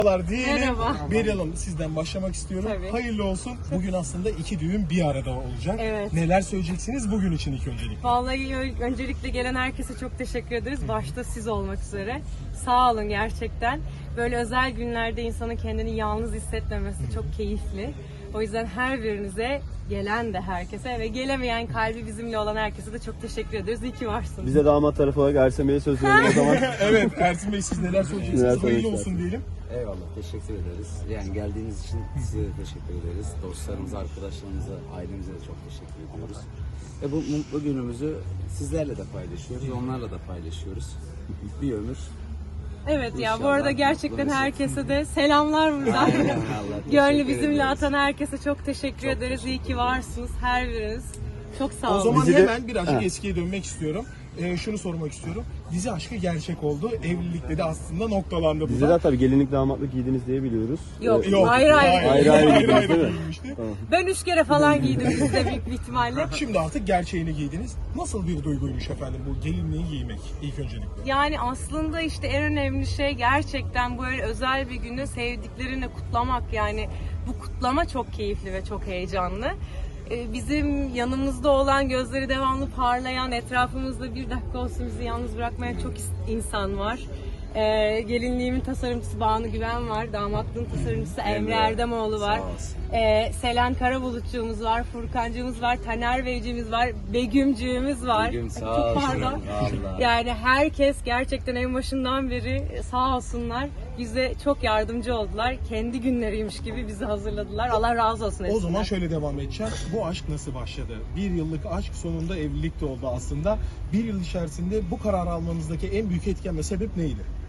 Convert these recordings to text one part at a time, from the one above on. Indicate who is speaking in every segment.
Speaker 1: Diyelim.
Speaker 2: Merhaba.
Speaker 1: Beril Hanım, sizden başlamak istiyorum.
Speaker 2: Tabii.
Speaker 1: Hayırlı olsun. Bugün aslında iki düğün bir arada olacak.
Speaker 2: Evet.
Speaker 1: Neler söyleyeceksiniz bugün için ilk öncelikle?
Speaker 2: Vallahi öncelikle gelen herkese çok teşekkür ederiz. Başta siz olmak üzere. Sağ olun gerçekten. Böyle özel günlerde insanın kendini yalnız hissetmemesi çok keyifli. O yüzden her birinize, gelen de herkese ve gelemeyen kalbi bizimle olan herkese de çok teşekkür ederiz. İyi ki varsınız.
Speaker 3: Bize damat tarafı olarak Ersin Bey'e söz verelim o zaman.
Speaker 1: Evet, Ersin Bey siz neler söyleyeceksiniz?
Speaker 3: Neler
Speaker 1: Hayırlı
Speaker 3: söylemek
Speaker 1: olsun diyelim.
Speaker 4: Eyvallah, teşekkür ederiz. Yani geldiğiniz için size de teşekkür ederiz. Dostlarımıza, arkadaşlarımıza, ailemize de çok teşekkür ediyoruz. Ve bu mutlu günümüzü sizlerle de paylaşıyoruz, onlarla da paylaşıyoruz. Bir ömür.
Speaker 2: Evet ya, bu
Speaker 4: İnşallah
Speaker 2: arada gerçekten
Speaker 4: mutlu
Speaker 2: herkese de selamlar buradan.
Speaker 4: Allah
Speaker 2: Gönlü
Speaker 4: teşekkür
Speaker 2: bizimle
Speaker 4: ederiz.
Speaker 2: atan herkese çok teşekkür ederiz. İyi ki varsınız her biriniz. Çok sağ olun.
Speaker 1: O zaman
Speaker 3: Bizi de-
Speaker 1: hemen birazcık
Speaker 3: Ha.
Speaker 1: eskiye dönmek istiyorum. Şunu sormak istiyorum. Dizi aşkı gerçek oldu. Evlilikte de aslında noktalandı bu
Speaker 3: Bize
Speaker 1: da.
Speaker 3: de tabii gelinlik damatlık giydiniz diye biliyoruz.
Speaker 2: Yok,
Speaker 1: Yok,
Speaker 2: ayrı
Speaker 3: Ayrı ayrı giydiniz değil mi?
Speaker 1: giyinmişti.
Speaker 2: Ben 3 kere falan giydim bizde büyük bir ihtimalle.
Speaker 1: Şimdi artık gerçeğini giydiniz. Nasıl bir duyguymuş efendim bu gelinliği giymek ilk öncelikle?
Speaker 2: Yani aslında işte en önemli şey gerçekten böyle özel bir günü sevdiklerini kutlamak. Yani bu kutlama çok keyifli ve çok heyecanlı. Bizim yanımızda olan, gözleri devamlı parlayan, etrafımızda bir dakika olsun bizi yalnız bırakmayan çok insan var. Gelinliğimin tasarımcısı Banu Güven var, damatlığın tasarımcısı Emre Erdemoğlu var.
Speaker 4: Sağ olsun.
Speaker 2: Selen Karabulutçuğumuz var, Furkancığımız var, Taner Beyciğimiz var, Begümcüğümüz var.
Speaker 4: Begüm, sağ
Speaker 2: Çok
Speaker 4: olsun.
Speaker 2: pardon.
Speaker 4: Vallahi.
Speaker 2: Yani herkes gerçekten en başından beri sağ olsunlar bize çok yardımcı oldular. Kendi günleriymiş gibi bizi hazırladılar. Allah razı olsun
Speaker 1: O
Speaker 2: hepsinden.
Speaker 1: zaman şöyle devam edeceğim. Bu aşk nasıl başladı? Bir yıllık aşk sonunda evlilik de oldu aslında. Bir yıl içerisinde bu kararı almanızdaki en büyük etken ve sebep neydi?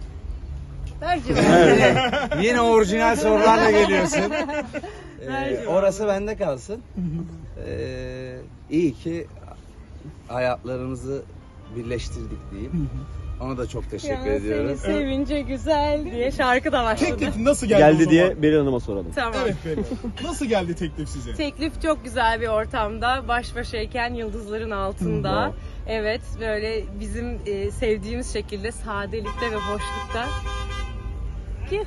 Speaker 4: Yine orijinal sorularla geliyorsun.
Speaker 2: Ver
Speaker 4: Orası bende kalsın. İyi ki hayatlarımızı birleştirdik diyeyim. Ona da çok teşekkür
Speaker 2: Ya
Speaker 4: ediyorum.
Speaker 2: seni sevince güzel diye şarkı da başladı.
Speaker 1: Teklif nasıl geldi, o
Speaker 3: Geldi
Speaker 1: zaman?
Speaker 3: diye Beril Hanım'a soralım.
Speaker 2: Tamam.
Speaker 1: Evet benim. Nasıl geldi teklif size?
Speaker 2: Teklif çok güzel bir ortamda, baş başayken yıldızların altında. Evet, böyle bizim sevdiğimiz şekilde sadelikte ve boşlukta. Ki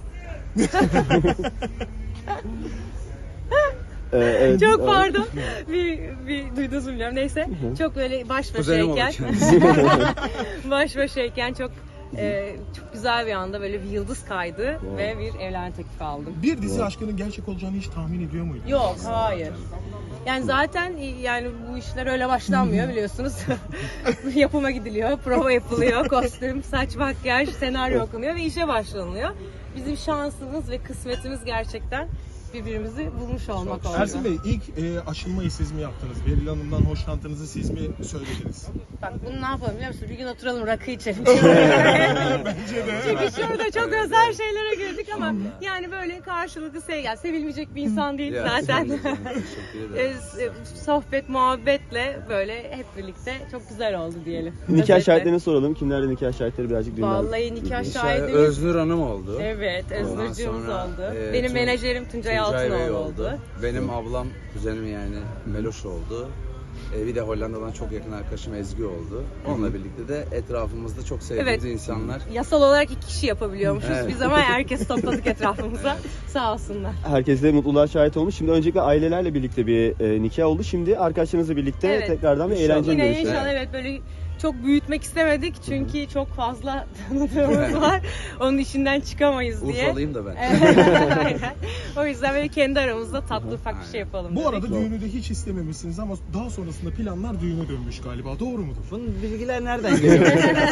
Speaker 3: Evet,
Speaker 2: çok pardon. bir duydunuz mu bilmiyorum. Neyse. Çok böyle baş
Speaker 4: Kuzenim olur
Speaker 2: başayken
Speaker 4: kendisi.
Speaker 2: baş başayken çok güzel bir anda böyle bir yıldız kaydı ve bir evlenme teklifi aldım.
Speaker 1: Bir dizi aşkının gerçek olacağını hiç tahmin ediyor muydun?
Speaker 2: Yok, hayır. Yani zaten yani bu işler öyle başlanmıyor biliyorsunuz. Yapıma gidiliyor, prova yapılıyor, kostüm, saç, makyaj, senaryo okunuyor ve işe başlanılıyor. Bizim şansımız ve kısmetimiz gerçekten birbirimizi bulmuş olmak oldu.
Speaker 1: Ersin Bey, ilk aşılmayı siz mi yaptınız? Beril Hanım'dan hoşlantınızı siz mi söylediniz?
Speaker 2: Bak bunu ne yapalım biliyor musun? Bir gün oturalım rakı içelim.
Speaker 1: Bence de.
Speaker 2: Çünkü şurada çok özel şeylere girdik ama yani böyle karşılıklı sevgi, sevilmeyecek bir insan değil
Speaker 4: Ya,
Speaker 2: zaten.
Speaker 4: teşekkür ederim.
Speaker 2: Sohbet, muhabbetle böyle hep birlikte çok güzel oldu diyelim.
Speaker 3: Nikah
Speaker 2: Özetle.
Speaker 3: şahitlerini soralım. Kimlerle nikah şahitleri birazcık düğünden.
Speaker 2: Vallahi nikah
Speaker 4: Şey,
Speaker 2: şahidimiz.
Speaker 4: Öznur Hanım oldu.
Speaker 2: Evet,
Speaker 4: Ondan
Speaker 2: Öznurcuğumuz
Speaker 4: sonra,
Speaker 2: oldu.
Speaker 4: e,
Speaker 2: Benim
Speaker 4: Tun-
Speaker 2: menajerim Tuncay
Speaker 4: Tuncay Bey
Speaker 2: Altınoğlu oldu.
Speaker 4: Benim ablam, kuzenim yani Meloş oldu. Bir de Hollanda'dan çok yakın arkadaşım Ezgi oldu. Onunla birlikte de etrafımızda çok sevdiğimiz
Speaker 2: Evet.
Speaker 4: insanlar.
Speaker 2: Yasal olarak 2 kişi yapabiliyormuşuz
Speaker 4: Evet.
Speaker 2: biz ama herkes topladık etrafımıza. Sağ olsunlar.
Speaker 3: Herkes de mutluluğa şahit olmuş. Şimdi öncelikle ailelerle birlikte bir nikah oldu. Şimdi arkadaşlarınızla birlikte
Speaker 2: Evet.
Speaker 3: tekrardan bir
Speaker 4: İnşallah.
Speaker 3: eğlence
Speaker 2: Yine
Speaker 3: görüşü.
Speaker 2: inşallah evet böyle çok büyütmek istemedik çünkü çok fazla tanıdığımız var. Onun içinden çıkamayız diye.
Speaker 4: Urfalıyım da ben.
Speaker 2: Aynen. O yüzden böyle kendi aramızda tatlı ufak bir şey yapalım
Speaker 1: Bu
Speaker 2: dedik.
Speaker 1: arada düğünü de hiç istememişsiniz ama daha sonrasında planlar düğüne dönmüş galiba. Doğru mudur?
Speaker 4: Bunun bilgiler nereden geliyor?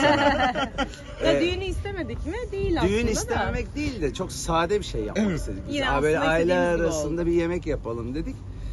Speaker 2: Ya düğünü istemedik mi? Değil aslında
Speaker 4: Düğün
Speaker 2: da.
Speaker 4: istememek değil de çok sade bir şey yapmak
Speaker 1: Evet.
Speaker 4: istedik. Biz.
Speaker 2: Yine
Speaker 4: Böyle
Speaker 2: aslında
Speaker 4: aile
Speaker 2: istediğimiz gibi
Speaker 4: arasında
Speaker 2: oldu.
Speaker 4: bir yemek yapalım dedik.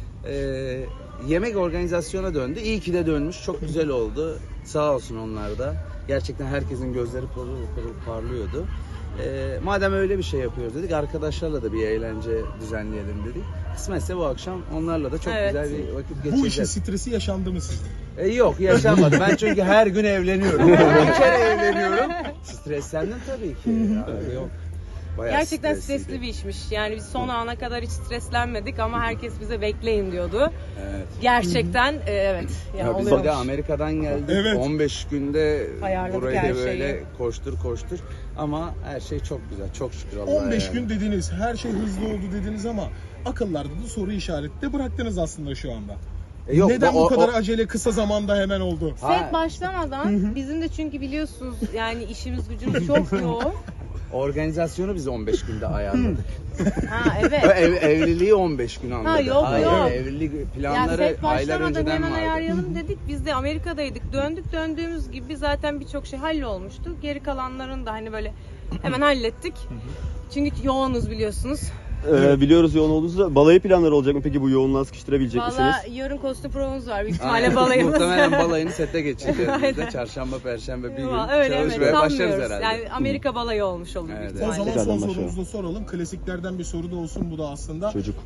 Speaker 4: Yemek organizasyona döndü. İyi ki de dönmüş. Çok güzel oldu. Sağ olsun onlar da. Gerçekten herkesin gözleri pırıl pırıl parlıyordu. Madem öyle bir şey yapıyoruz dedik, arkadaşlarla da bir eğlence düzenleyelim dedik. Kısmetse bu akşam onlarla da çok
Speaker 2: Evet.
Speaker 4: güzel bir vakit
Speaker 1: Bu işin
Speaker 4: geçireceğiz.
Speaker 1: stresi yaşandı mı sizde?
Speaker 4: Yok, yaşanmadı. Ben çünkü her gün evleniyorum. Bir kere evleniyorum. Streslendim tabii ki. Yok. Bayağı
Speaker 2: Gerçekten
Speaker 4: stresliydi.
Speaker 2: stresli bir işmiş. Yani biz son ana kadar hiç streslenmedik ama herkes bize bekleyin diyordu.
Speaker 4: Evet.
Speaker 2: Gerçekten evet. Yani
Speaker 4: Ya biz
Speaker 2: oluyormuş.
Speaker 4: de Amerika'dan geldik.
Speaker 1: Evet.
Speaker 4: 15 günde
Speaker 2: Ayarladık
Speaker 4: burayı
Speaker 2: her
Speaker 4: da böyle
Speaker 2: şeyi.
Speaker 4: koştur ama her şey çok güzel. Çok şükür Allah'a.
Speaker 1: 15
Speaker 4: yani.
Speaker 1: gün dediniz, her şey hızlı oldu dediniz ama akıllarda da soru işareti de bıraktınız aslında şu anda.
Speaker 4: Yok,
Speaker 1: Neden
Speaker 4: o-
Speaker 1: bu kadar
Speaker 4: o-
Speaker 1: acele kısa zamanda hemen oldu?
Speaker 4: Ha,
Speaker 2: Set başlamadan bizim de çünkü biliyorsunuz yani işimiz gücümüz çok yoğun.
Speaker 4: organizasyonu biz 15 günde ayarladık.
Speaker 2: Ha evet.
Speaker 4: Evliliği 15 gün anladık.
Speaker 2: yok,
Speaker 4: Hayır,
Speaker 2: yok.
Speaker 4: evlilik
Speaker 2: Yani
Speaker 4: planları
Speaker 2: set
Speaker 4: aylar
Speaker 2: başlamadan
Speaker 4: önceden
Speaker 2: hemen
Speaker 4: vardı.
Speaker 2: ayarlayalım dedik. Biz de Amerika'daydık. Döndüğümüz gibi zaten birçok şey hallolmuştu. Geri kalanların da hani böyle hemen hallettik. Çünkü yoğunuz biliyorsunuz.
Speaker 3: Biliyoruz yoğun olduğunuzda. Balayı planları olacak mı peki, bu yoğunluğa sıkıştırabilecek misiniz?
Speaker 2: Valla yarın kostüm provamız var. Büyük ihtimalle
Speaker 4: Aynen.
Speaker 2: balayımız.
Speaker 4: Muhtemelen balayını sete geçireceğiz biz de.
Speaker 2: Aynen.
Speaker 4: Çarşamba, perşembe bir gün
Speaker 2: Öyle
Speaker 4: çalışmaya başlarız
Speaker 2: sanmıyoruz.
Speaker 4: herhalde.
Speaker 2: Yani Amerika balayı olmuş olur büyük
Speaker 4: Evet.
Speaker 1: O
Speaker 2: ihtimalle.
Speaker 1: zaman
Speaker 3: Tekrardan
Speaker 1: son
Speaker 3: başlayalım.
Speaker 1: sorumuzu da soralım. Klasiklerden bir soru da olsun bu da aslında.
Speaker 3: Çocuk.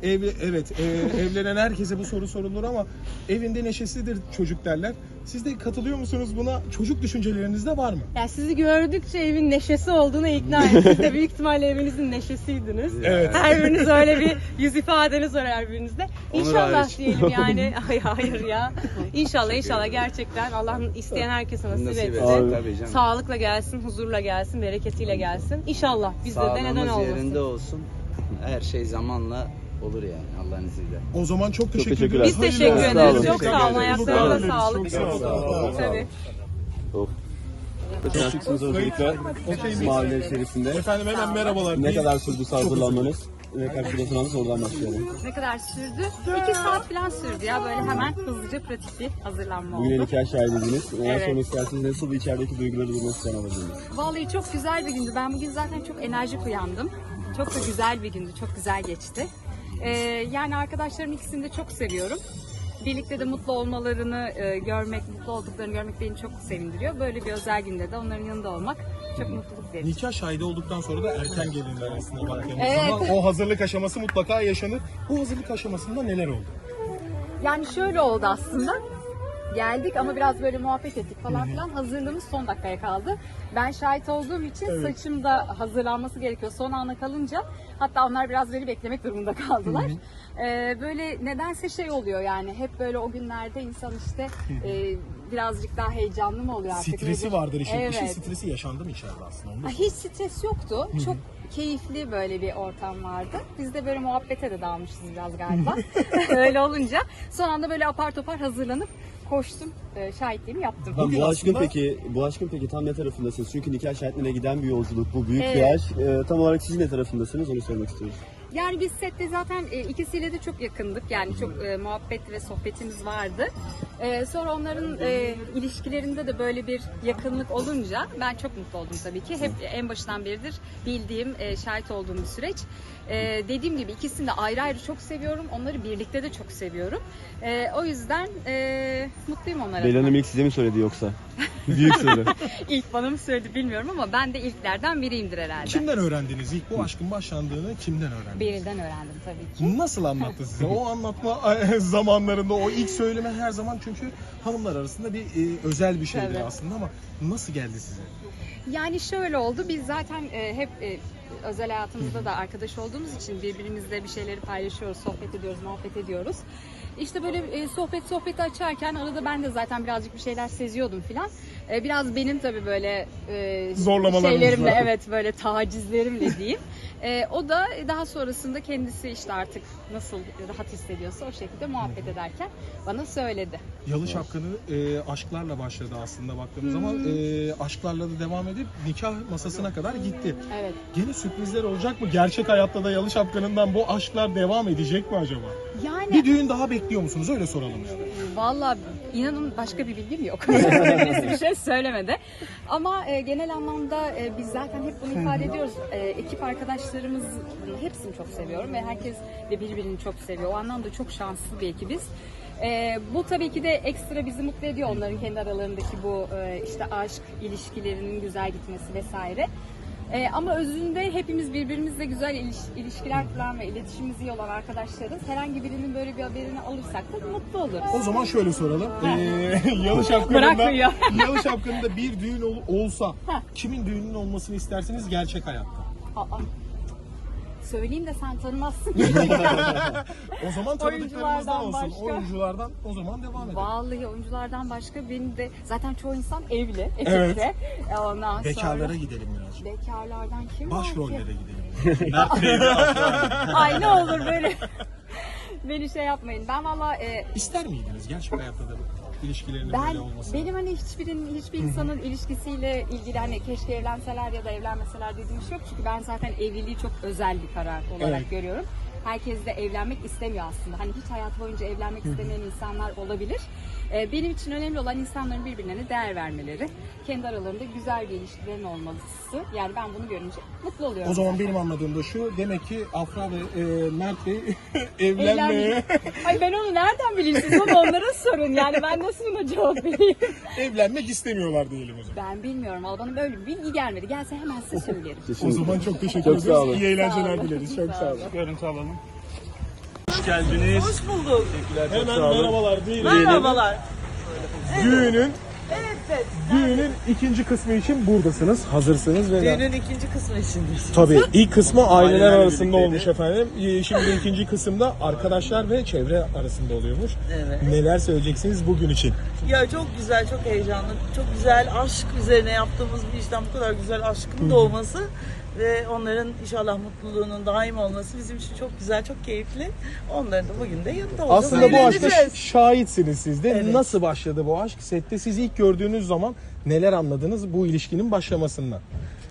Speaker 1: Evlenen herkese bu soru sorulur ama evinde neşesidir çocuk derler. Siz de katılıyor musunuz buna? Çocuk düşünceleriniz de var mı?
Speaker 2: Yani sizi gördükçe evin neşesi olduğuna ikna ettim. Siz de büyük ihtimalle evinizin neşesiydiniz.
Speaker 1: Evet.
Speaker 2: Her biriniz öyle bir yüz ifadeniz var her birinizde.
Speaker 4: Onur
Speaker 2: İnşallah
Speaker 4: hariç.
Speaker 2: diyelim yani. Hayır ya. İnşallah gerçekten Allah isteyen herkese nasip
Speaker 4: Nasip
Speaker 2: etsin.
Speaker 4: etsin tabii canım.
Speaker 2: Sağlıkla gelsin, huzurla gelsin, bereketiyle gelsin. İnşallah bizde de neden
Speaker 4: Sağlığımız
Speaker 2: olmasın.
Speaker 4: yerinde olsun. Her şey zamanla olur yani Allah'ın izniyle.
Speaker 1: O zaman çok teşekkür
Speaker 3: teşekkürler.
Speaker 1: ederiz.
Speaker 2: Biz teşekkür
Speaker 1: Hayırlı
Speaker 3: ederiz.
Speaker 1: olsun.
Speaker 3: Çok
Speaker 2: sağ olun. Ayaklarınıza
Speaker 1: Çok
Speaker 2: sağlık.
Speaker 1: sağ olun.
Speaker 2: Tabii.
Speaker 3: Of. Çok şıksınız öncelikle. Mahalle içerisinde.
Speaker 1: Efendim hemen merhabalar.
Speaker 3: Ne kadar sürdü hazırlanmanız? Ve kaç kilo sıranız, oradan başlayalım.
Speaker 5: Ne kadar sürdü? 2 saat falan sürdü ya, böyle hemen hızlıca pratik bir hazırlanma
Speaker 3: Bugün
Speaker 5: oldu.
Speaker 3: nikah şahidiydiniz. Neler
Speaker 5: Evet.
Speaker 3: sormak istersiniz? Nasıl içerideki duyguları durmak isteyen alabilirsiniz?
Speaker 5: Vallahi çok güzel bir gündü. Ben bugün zaten çok enerjik uyandım. Çok da güzel bir gündü, çok güzel geçti. Yani arkadaşlarım ikisini de çok seviyorum. Birlikte de mutlu olmalarını görmek, mutlu olduklarını görmek beni çok sevindiriyor. Böyle bir özel günde de onların yanında olmak çok mutluluk verici.
Speaker 1: Nikah şahidi olduktan sonra da erken gelinler aslında baktığımız
Speaker 5: Evet.
Speaker 1: zaman o hazırlık aşaması mutlaka yaşanır. Bu hazırlık aşamasında neler oldu?
Speaker 5: Yani şöyle oldu aslında. Geldik ama biraz böyle muhabbet ettik falan filan. Hazırlığımız son dakikaya kaldı. Ben şahit olduğum için saçım da hazırlanması gerekiyor. Son ana kalınca hatta onlar biraz beni beklemek durumunda kaldılar. Böyle nedense şey oluyor yani hep böyle o günlerde insan işte birazcık daha heyecanlı mı oluyor artık?
Speaker 1: Stresi
Speaker 5: nedir?
Speaker 1: vardır işin.
Speaker 5: Evet.
Speaker 1: İşin stresi yaşandı mı içeride aslında? Onu da
Speaker 5: Hiç stres yoktu. Çok keyifli böyle bir ortam vardı. Biz de böyle muhabbete de dalmışız biraz galiba. Öyle olunca son anda böyle apar topar hazırlanıp koştum. Şahitliğimi yaptım.
Speaker 1: Bugün
Speaker 3: Bu aşkın
Speaker 1: aslında-
Speaker 3: bu aşkın peki tam ne tarafındasınız? Çünkü nikah şahitliğine giden bir yolculuk, bu büyük bir
Speaker 5: Evet.
Speaker 3: aşk. Tam olarak siz ne tarafındasınız, onu sormak istiyoruz.
Speaker 5: Yani biz sette zaten ikisiyle de çok yakındık. Yani çok muhabbet ve sohbetimiz vardı. Sonra onların ilişkilerinde de böyle bir yakınlık olunca ben çok mutlu oldum tabii ki. Hep en başından beridir bildiğim, şahit olduğum bir süreç. Dediğim gibi ikisini de ayrı ayrı çok seviyorum. Onları birlikte de çok seviyorum. O yüzden mutluyum onlara.
Speaker 3: Beyla Hanım ilk size mi söyledi yoksa? Büyük soru.
Speaker 5: İlk bana mı söyledi bilmiyorum ama ben de ilklerden biriyimdir herhalde.
Speaker 1: Kimden öğrendiniz? İlk bu aşkın başlandığını kimden öğrendiniz?
Speaker 5: Beril'den öğrendim tabii ki.
Speaker 1: Nasıl anlattı size? O anlatma zamanlarında o ilk söyleme her zaman çünkü hanımlar arasında bir özel bir şeydir
Speaker 5: Evet.
Speaker 1: aslında ama nasıl geldi size?
Speaker 5: Yani şöyle oldu, biz zaten hep özel hayatımızda da arkadaş olduğumuz için birbirimizle bir şeyleri paylaşıyoruz, sohbet ediyoruz, muhabbet ediyoruz. İşte böyle sohbeti açarken arada ben de zaten birazcık bir şeyler seziyordum filan. Biraz benim tabii böyle
Speaker 1: Zorlamalarınız
Speaker 5: şeylerimle,
Speaker 1: var.
Speaker 5: evet böyle tacizlerimle diyeyim. O da daha sonrasında kendisi işte artık nasıl rahat hissediyorsa o şekilde muhabbet ederken bana söyledi.
Speaker 1: Yalı Şapkanı aşklarla başladı aslında baktığımız zaman. Aşklarla da devam edip nikah masasına kadar gitti.
Speaker 5: Evet.
Speaker 1: Gene sürprizler olacak mı? Gerçek hayatta da Yalı Şapkanı'ndan bu aşklar devam edecek mi acaba?
Speaker 5: Yani
Speaker 1: Bir düğün daha bekliyor musunuz? Öyle soralım yani.
Speaker 5: vallahi inanın başka bir bilgim yok. Birisi bir şey söylemedi. Ama genel anlamda biz zaten hep bunu ifade ediyoruz. Ekip arkadaşlarımız hepsini çok seviyorum ve herkes de birbirini çok seviyor. O anlamda çok şanslı bir ekibiz. Bu tabii ki de ekstra bizi mutlu ediyor, onların kendi aralarındaki bu işte aşk ilişkilerinin güzel gitmesi vesaire. Ama özünde hepimiz birbirimizle güzel ilişkiler kuran ve iletişimimiz iyi olan arkadaşlarız. Herhangi birinin böyle bir haberini alırsak da mutlu oluruz.
Speaker 1: O zaman şöyle soralım. Yalı
Speaker 5: Bırakmıyor.
Speaker 1: Yalı Şapkanı'nda bir düğün olsa kimin düğünün olmasını istersiniz gerçek hayatta?
Speaker 5: Aa, söyleyeyim de sen tanımazsın.
Speaker 1: O zaman tanıdıklarımızdan olsun.
Speaker 5: Başka.
Speaker 1: Oyunculardan o zaman devam edelim.
Speaker 5: Vallahi oyunculardan başka benim de zaten çoğu insan evli, ekipte.
Speaker 1: Evet.
Speaker 5: Ondan
Speaker 1: Bekarlara
Speaker 5: sonra
Speaker 1: gidelim biraz.
Speaker 5: bekarlardan kim var ki?
Speaker 1: Başrollere gidelim.
Speaker 5: Ay ne olur böyle beni şey yapmayın. Ben valla
Speaker 1: İster miydiniz gerçek hayatta da ilişkilerinin
Speaker 5: ben
Speaker 1: böyle olmasını?
Speaker 5: benim hani hiçbir insanın ilişkisiyle ilgili hani keşke evlenseler ya da evlenmeseler dediğim şey yok. Çünkü ben zaten evliliği çok özel bir karar olarak
Speaker 1: Evet.
Speaker 5: görüyorum. Herkes de evlenmek istemiyor aslında. Hani hiç hayat boyunca evlenmek istemeyen insanlar olabilir. Benim için önemli olan insanların birbirlerine değer vermeleri. Kendi aralarında güzel bir ilişkilerin olması. Yani ben bunu görünce mutlu oluyorum.
Speaker 1: O zaman
Speaker 5: zaten.
Speaker 1: benim anladığım da şu, demek ki Afra ve Mert Bey evlenmeye,
Speaker 5: Evlenmek. Ay ben onu nereden bileyim, siz onu onlara sorun. Yani ben nasıl buna cevap vereyim?
Speaker 1: evlenmek istemiyorlar diyelim o zaman.
Speaker 5: Ben bilmiyorum. Ama bana böyle bir bilgi gelmedi. Gelse hemen size söylerim.
Speaker 1: O zaman çok teşekkür
Speaker 3: Çok
Speaker 1: ederiz.
Speaker 3: sağ olun.
Speaker 1: İyi eğlenceler
Speaker 5: Sağ olun.
Speaker 1: dileriz. Çok sağ olun.
Speaker 6: Görüntü alalım. Hoş geldiniz.
Speaker 7: Hoş bulduk.
Speaker 1: Hemen merhabalar diyelim.
Speaker 7: Merhabalar.
Speaker 1: Düğünün ikinci kısmı için buradasınız. Hazırsınız ve
Speaker 7: Düğünün ikinci kısmı içindeyiz.
Speaker 1: tabii ilk kısmı aileler
Speaker 3: Ailelerle
Speaker 1: arasında
Speaker 3: birlikteydi.
Speaker 1: olmuş efendim. Şimdi ikinci kısımda arkadaşlar ve çevre arasında oluyormuş.
Speaker 7: Evet.
Speaker 1: Neler söyleyeceksiniz bugün için?
Speaker 7: Ya çok güzel, çok heyecanlı, çok güzel aşk üzerine yaptığımız bir işten bu kadar güzel aşkın doğması ve onların inşallah mutluluğunun daim olması bizim için çok güzel, çok keyifli. Onların da bugün de yanında olacağız.
Speaker 1: Aslında bu aşka
Speaker 7: Eğleneceğiz.
Speaker 1: şahitsiniz siz de.
Speaker 7: Evet.
Speaker 1: Nasıl başladı bu aşk? Sette siz ilk gördüğünüz zaman neler anladınız bu ilişkinin başlamasından?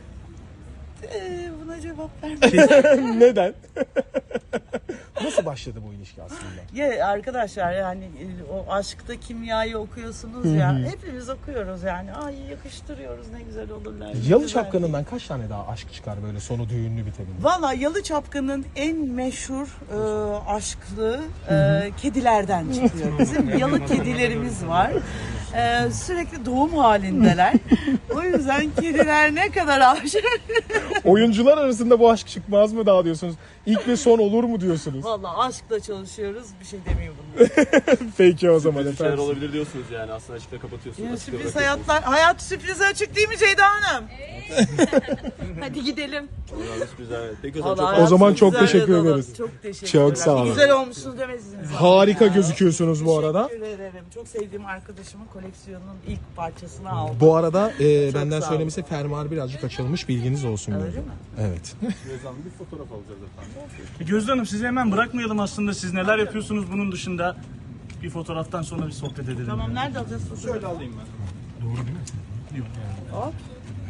Speaker 7: Buna cevap vermem.
Speaker 1: Neden? Nasıl başladı bu ilişki aslında?
Speaker 7: Ya arkadaşlar yani o aşkta kimyayı okuyorsunuz ya. Hepimiz okuyoruz yani. Ay yakıştırıyoruz, ne güzel olurlar. ne
Speaker 1: Yalı
Speaker 7: güzel.
Speaker 1: Çapkını'ndan kaç tane daha aşk çıkar böyle sonu düğünlü bitebilir?
Speaker 7: Valla Yalı Çapkın'ın en meşhur aşklı kedilerden çıkıyor. Bizim yalı kedilerimiz var. Sürekli doğum halindeler. O yüzden kediler ne kadar aşık.
Speaker 1: Oyuncular arasında bu aşk çıkmaz mı daha diyorsunuz? İlk ve son olur mu diyorsunuz?
Speaker 7: Valla aşkla çalışıyoruz. Bir şey demeyeyim bunlar.
Speaker 1: Peki o zaman
Speaker 3: Böyle şeyler
Speaker 1: efendim.
Speaker 3: olabilir diyorsunuz yani. Aslında açıkta kapatıyorsunuz.
Speaker 7: Ya
Speaker 3: açıkta
Speaker 7: sürpriz
Speaker 3: bırakıyorsunuz.
Speaker 7: hayat sürprize açık değil mi Ceyda Hanım?
Speaker 5: Hadi gidelim.
Speaker 3: Vallahi sürprizler, evet. Peki o zaman
Speaker 7: Vallahi
Speaker 3: çok
Speaker 1: O
Speaker 7: hayat
Speaker 1: zaman çok
Speaker 7: güzel
Speaker 1: teşekkür
Speaker 7: ve dolu.
Speaker 1: ederiz.
Speaker 7: Çok teşekkür
Speaker 1: Çok
Speaker 7: ederim.
Speaker 1: sağ olun.
Speaker 7: Güzel olmuşsunuz demezsiniz.
Speaker 1: Harika
Speaker 7: Ya.
Speaker 1: gözüküyorsunuz bu arada.
Speaker 7: Teşekkür ederim. Çok sevdiğim arkadaşımın koleksiyonunun ilk parçasını aldım.
Speaker 1: Bu arada benden
Speaker 7: sağ olun.
Speaker 1: söylemesi fermuar birazcık açılmış, bilginiz olsun.
Speaker 7: Öyle
Speaker 1: böyle.
Speaker 7: mi?
Speaker 1: Evet.
Speaker 3: bir fotoğraf alacağız efendim.
Speaker 6: Gözde Hanım, sizi hemen bırakmayalım aslında. Siz neler yapıyorsunuz bunun dışında? Bir fotoğraftan sonra bir sohbet edelim.
Speaker 7: Tamam, nerede alacağız?
Speaker 3: Şöyle alayım ben.
Speaker 1: Doğru değil mi?
Speaker 6: Yok yani.
Speaker 7: Hop.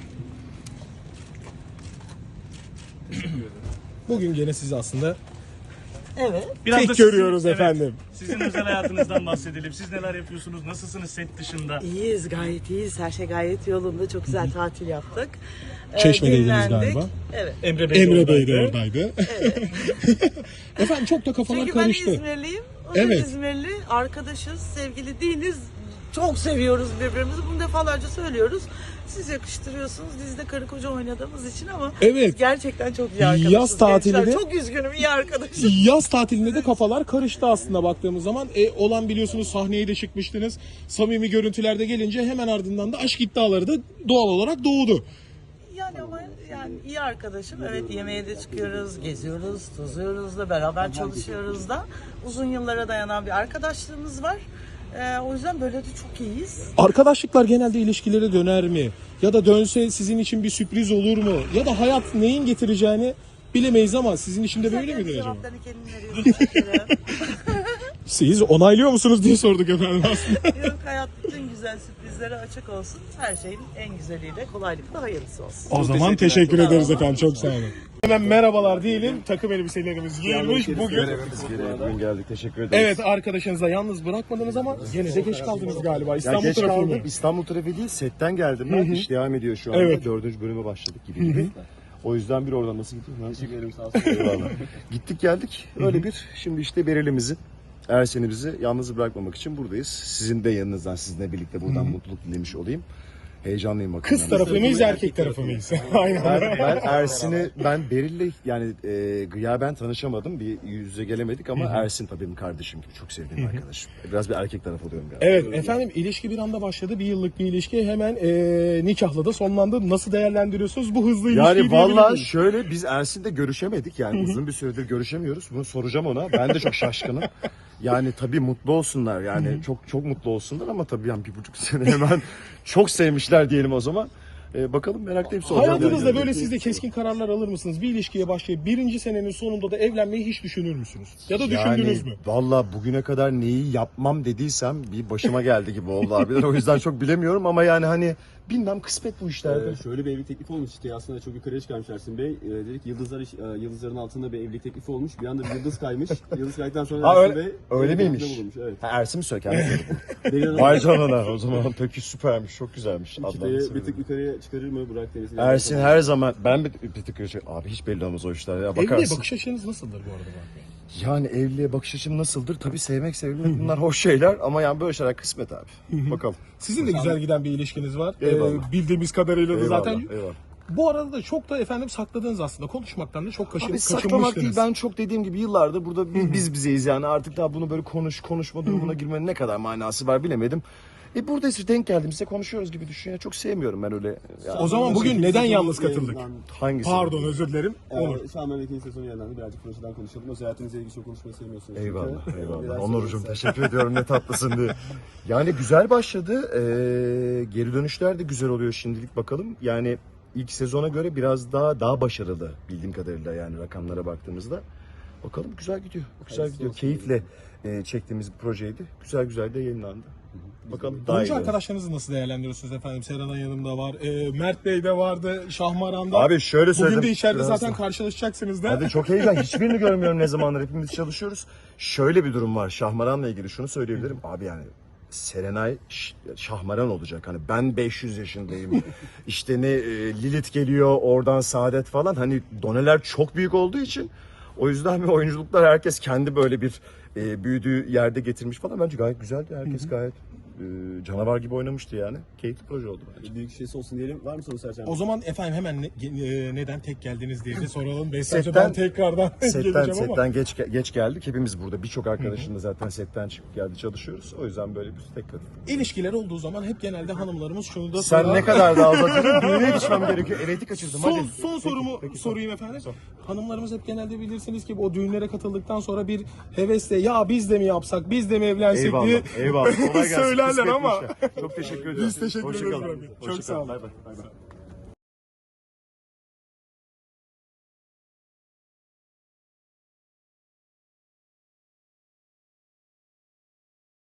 Speaker 1: Bugün gene sizi aslında
Speaker 7: Evet.
Speaker 6: Biraz
Speaker 1: tek
Speaker 6: da sizin-
Speaker 1: görüyoruz
Speaker 6: evet,
Speaker 1: efendim.
Speaker 6: Sizin özel hayatınızdan bahsedelim. Siz neler yapıyorsunuz? Nasılsınız set dışında?
Speaker 7: İyiyiz, gayet iyiyiz. Her şey gayet yolunda. Çok güzel tatil yaptık.
Speaker 1: Çeşme'deydiniz
Speaker 7: Dinlendik.
Speaker 1: galiba.
Speaker 7: Evet.
Speaker 6: Emre Bey,
Speaker 1: Emre Bey de
Speaker 6: oradaydı.
Speaker 1: oradaydı. Efendim çok da kafalar
Speaker 7: Çünkü ben
Speaker 1: karıştı.
Speaker 7: İzmirliyim. O da
Speaker 1: Evet.
Speaker 7: İzmirli. Arkadaşız, sevgili değiliz. Çok seviyoruz birbirimizi. Bunu defalarca söylüyoruz. Siz yakıştırıyorsunuz. Biz de karı koca oynadığımız için ama
Speaker 1: Evet.
Speaker 7: gerçekten çok iyi arkadaşız.
Speaker 1: Yaz tatili
Speaker 7: Gençler,
Speaker 1: de-
Speaker 7: çok üzgünüm, iyi arkadaşım.
Speaker 1: Yaz tatilinde de kafalar karıştı aslında baktığımız zaman. Olan biliyorsunuz sahneye de çıkmıştınız. Samimi görüntülerde gelince hemen ardından da aşk iddiaları da doğal olarak doğdu.
Speaker 7: Yani ama yani iyi arkadaşım. Evet, yemeğe de çıkıyoruz, geziyoruz, tozuyoruz da, beraber çalışıyoruz da. Uzun yıllara dayanan bir arkadaşlığımız var. O yüzden böyle de çok iyiyiz.
Speaker 1: Arkadaşlıklar genelde ilişkilere döner mi? Ya da dönse sizin için bir sürpriz olur mu? Ya da hayat neyin getireceğini bilemeyiz ama sizin için de böyle midir acaba?
Speaker 7: Cevaplarını kendin veriyorsun. Teşekkür ederim.
Speaker 1: Siz onaylıyor musunuz diye sorduk efendim aslında.
Speaker 7: Yok, hayat bütün güzel sürprizlere açık olsun. Her şeyin en güzeliyle, kolaylıkla hayırlısı olsun.
Speaker 1: O zaman teşekkür ederiz efendim. Çok sağ olun. Hemen merhabalar diyelim. Takım elbiselerimiz giyilmiş bugün.
Speaker 3: Bugün geldik. Teşekkür ederiz.
Speaker 1: Evet, arkadaşınızla yalnız bırakmadınız ama gene de geç kaldınız galiba.
Speaker 8: Ya
Speaker 1: İstanbul
Speaker 8: geç
Speaker 1: trafiği
Speaker 8: kaldım.
Speaker 1: mi?
Speaker 8: İstanbul trafiği değil, setten geldim ben. İş devam ediyor şu anda.
Speaker 1: Evet.
Speaker 8: 4. bölüme başladık gibi. O yüzden bir oradan nasıl gittik? Teşekkür ederim, sağ olsun. Eyvallah. Gittik geldik. Öyle bir, şimdi işte Berel'imizi, Ersen'i bizi yalnız bırakmamak için buradayız. Sizin de yanınızdan, sizinle birlikte buradan mutluluk dilemiş olayım. Heyecanlıyım bakalım.
Speaker 1: Kız tarafı mıyız, erkek tarafı mıyız? Aynen.
Speaker 8: Ben Beril'le yani gıyaben tanışamadım. Bir yüz yüze gelemedik ama Ersin tabii benim kardeşim gibi çok sevdiğim arkadaşım. Biraz bir erkek tarafı oluyorum galiba.
Speaker 1: Evet efendim, ilişki bir anda başladı. Bir yıllık bir ilişki hemen nikahla da sonlandı. Nasıl değerlendiriyorsunuz bu hızlı ilişkiyi?
Speaker 8: Yani
Speaker 1: diyebilir
Speaker 8: valla
Speaker 1: miyiz?
Speaker 8: şöyle, biz Ersin'le görüşemedik yani uzun bir süredir görüşemiyoruz. Bunu soracağım ona. Ben de çok şaşkınım. Yani tabii mutlu olsunlar yani çok mutlu olsunlar ama tabii yani 1,5 sene hemen çok sevmişler diyelim o zaman. Bakalım, meraklıyım soracağım.
Speaker 1: Hayatınızda
Speaker 8: yani.
Speaker 1: böyle siz de keskin kararlar alır mısınız? Bir ilişkiye başlayıp birinci senenin sonunda da evlenmeyi hiç düşünür müsünüz? Ya da düşündünüz mü?
Speaker 8: Valla bugüne kadar neyi yapmam dediysem bir başıma geldi gibi oldu abiler. O yüzden çok bilemiyorum ama yani hani bilmem, kısmet bu işlerde.
Speaker 3: Şöyle bir evlilik teklifi olmuş işte, aslında çok yukarıya çıkarmış Ersin Bey. Dedik yıldızların altında bir evlilik teklifi olmuş. Bir anda bir yıldız kaymış. Yıldız kaydıktan sonra
Speaker 8: Ha,
Speaker 3: Ersin
Speaker 8: öyle-
Speaker 3: Bey
Speaker 8: öyle
Speaker 3: evlilik
Speaker 8: miymiş?
Speaker 3: teklifinde bulunmuş, evet.
Speaker 8: Ha, Ersin mi söyledi?
Speaker 3: Beyin Hanım
Speaker 8: Vay canına, o zaman peki süpermiş, çok güzelmiş.
Speaker 3: çıtayı
Speaker 8: Adnan
Speaker 3: bir tık yukarıya çıkarır mı Burak Deniz?
Speaker 8: Ersin her zaman, ben bir tık abi hiç belli olmaz o işler ya,
Speaker 1: Evliliğe
Speaker 8: bakarsın.
Speaker 1: bakış açınız nasıldır bu arada Burak Bey?
Speaker 8: Yani evliliğe bakış açım nasıldır? Tabii sevmek, sevilmek bunlar hoş şeyler ama yani böyle şeyler kısmet abi. Bakalım.
Speaker 1: Sizin de güzel giden bir ilişkiniz var.
Speaker 8: Eyvallah.
Speaker 1: Bildiğimiz kadarıyla da
Speaker 8: Eyvallah,
Speaker 1: zaten.
Speaker 8: eyvallah.
Speaker 1: Bu arada da çok da efendim sakladınız aslında. Konuşmaktan da çok
Speaker 8: Abi saklamak
Speaker 1: kaçınmıştınız.
Speaker 8: değil, ben çok dediğim gibi yıllardır burada biz bizeyiz yani, artık daha bunu böyle konuşma durumuna girmenin ne kadar manası var bilemedim. Burada işte denk geldiğimizde konuşuyoruz gibi düşün ya, çok sevmiyorum ben öyle. Yani.
Speaker 1: O zaman bugün neden yalnız katıldık?
Speaker 8: Hangisi?
Speaker 1: Pardon, özür dilerim. Onur.
Speaker 3: Şahmeran ikinci sezonu yayınlandı. Birazcık projeden konuşalım. Özel hayatınızla ilgili çok konuşmayı sevmiyorsunuz.
Speaker 8: Eyvallah,
Speaker 3: çünkü.
Speaker 8: eyvallah.
Speaker 3: Neler
Speaker 8: Onurcuğum
Speaker 3: söyleyeceksiniz?
Speaker 8: teşekkür ediyorum, ne tatlısın diye. Yani güzel başladı. Geri dönüşler de güzel oluyor şimdilik, bakalım. Yani ilk sezona göre biraz daha başarılı bildiğim kadarıyla, yani rakamlara baktığımızda. Bakalım, güzel gidiyor. Güzel gidiyor. Keyifle çektiğimiz bir projeydi. Güzel de yayınlandı. Bakalım daha
Speaker 1: Oyuncu
Speaker 8: iyi.
Speaker 1: arkadaşlarınızı nasıl değerlendiriyorsunuz efendim? Serenay Hanım da var. Mert Bey de vardı. Şahmaran da.
Speaker 8: Abi şöyle söyleyeyim.
Speaker 1: Bugün de içeride
Speaker 8: Birazdan.
Speaker 1: zaten karşılaşacaksınız da.
Speaker 8: Hadi çok heyecan. Hiçbirini görmüyorum ne zamandır. Hepimiz çalışıyoruz. Şöyle bir durum var. Şahmaran'la ilgili şunu söyleyebilirim. Abi yani Serenay Şahmaran olacak. Hani ben 500 yaşındayım. İşte ne Lilith geliyor, oradan Saadet falan. Hani doneler çok büyük olduğu için o yüzden oyunculuklar herkes kendi böyle bir büyüdüğü yerde getirmiş falan. Bence gayet güzeldi. Herkes gayet canavar gibi oynamıştı yani. Keyifli proje oldu bence.
Speaker 3: Büyük şeysi olsun diyelim. Var mı soru Sercan?
Speaker 1: O zaman efendim hemen neden tek geldiniz diye de soralım. Beslerce
Speaker 8: Setten-
Speaker 1: ben tekrardan geleceğim ama.
Speaker 8: Setten geç geldik. Hepimiz burada. Birçok arkadaşım da zaten setten çıkıp geldi, çalışıyoruz. O yüzden böyle bir tek katıldık.
Speaker 1: İlişkiler olduğu zaman hep genelde hanımlarımız şunu da
Speaker 8: Sen
Speaker 1: sorar.
Speaker 8: ne kadar daha uzatıyorsun? Düğüne yetişmem gerekiyor. Evet'i kaçırdım.
Speaker 1: Son,
Speaker 8: Hadi.
Speaker 1: son sorumu sorayım efendim. Hanımlarımız hep genelde bilirsiniz ki o düğünlere katıldıktan sonra bir hevesle ya biz de mi yapsak, biz de mi evlensek diye
Speaker 8: Eyvallah. Kolay gelsin.
Speaker 1: söylerler
Speaker 8: Kısmetmiş
Speaker 1: ama.
Speaker 8: ya. Çok teşekkür ediyorum.
Speaker 1: Biz teşekkür
Speaker 8: Hoşça
Speaker 1: ederiz
Speaker 8: kalın.
Speaker 1: abi. Çok
Speaker 8: Hoşça
Speaker 1: sağ
Speaker 8: kalın.
Speaker 1: olun.
Speaker 8: Bay bay.